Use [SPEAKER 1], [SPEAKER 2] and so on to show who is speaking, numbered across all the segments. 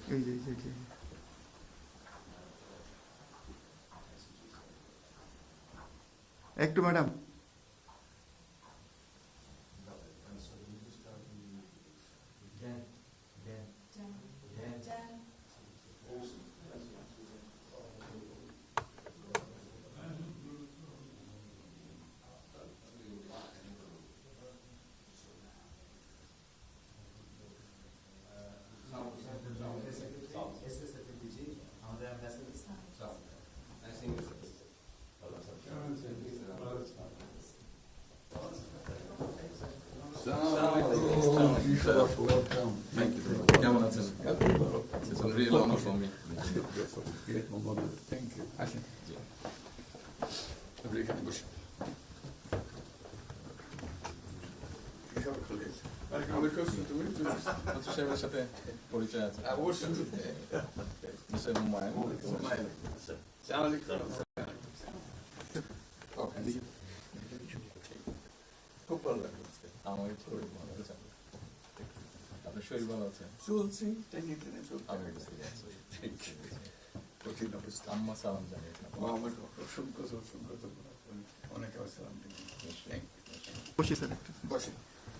[SPEAKER 1] এই যে এই যে একটু ম্যাডাম,
[SPEAKER 2] Thank you. কেমন আছেন? It's a real honor for me.
[SPEAKER 3] Great moment. Thank you. আসেন। আপনি এখানে বসুন। কিসব খুলে? আমি করছি, তুমি চলে আসো।
[SPEAKER 2] মন্ত্রী সাহেবের সাথে পরিচয় আছে।
[SPEAKER 3] অবশ্যই।
[SPEAKER 2] মিস্টার হুমায়ুন।
[SPEAKER 3] হুমায়ুন। আসসালামু আলাইকুম। খুব ভালো লাগলো।
[SPEAKER 2] আমার শরীর ভালো আছে। আপনার শরীর ভালো আছে?
[SPEAKER 3] চলছি, টেনে টেনে চলছি।
[SPEAKER 2] আমি বুঝতে পারছি।
[SPEAKER 3] কঠিন অবস্থা।
[SPEAKER 2] আম্মা সালাম জানিয়ে
[SPEAKER 3] আমার অসংখ্য অনেক আসসালাম।
[SPEAKER 1] বসি স্যার একটু।
[SPEAKER 3] বসেন।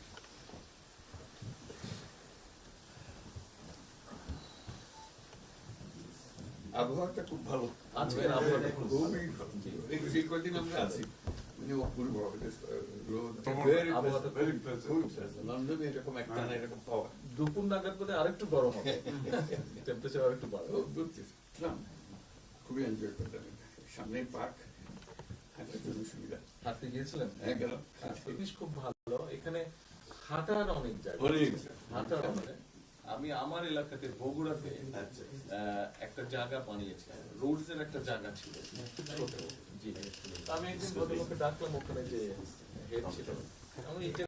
[SPEAKER 3] আবহাওয়াটা খুব ভালো।
[SPEAKER 2] আজকের আবহাওয়াটা খুব ভালো।
[SPEAKER 3] খুবই ভালো। এই কদিন আমরা আছি অপূর্ব
[SPEAKER 2] আবহাওয়াটা
[SPEAKER 3] লন্ডনে এরকম একটা না এরকম পাওয়া
[SPEAKER 2] দুপুর নাগাদ বোধহয় আরেকটু গরম হবে, টেম্পারেচার আরেকটু বাড়বে।
[SPEAKER 3] বুঝছিলাম, খুবই এনজয় করতাম। সামনে পার্ক, হাঁটার জন্য সুবিধা।
[SPEAKER 2] হাঁটতে গিয়েছিলেন?
[SPEAKER 3] হ্যাঁ গেলাম।
[SPEAKER 2] জিনিস খুব ভালো, এখানে হাঁটার অনেক জায়গা, হাঁটার অনেক। আমি আমার এলাকাতে বগুড়াতে একটা জায়গা বানিয়েছি, রোডস এর একটা জায়গা ছিল ছোট। জি, আমি একদিন ভদ্রলোককে ডাকলাম, ওখানে যে হেড ছিল, আমি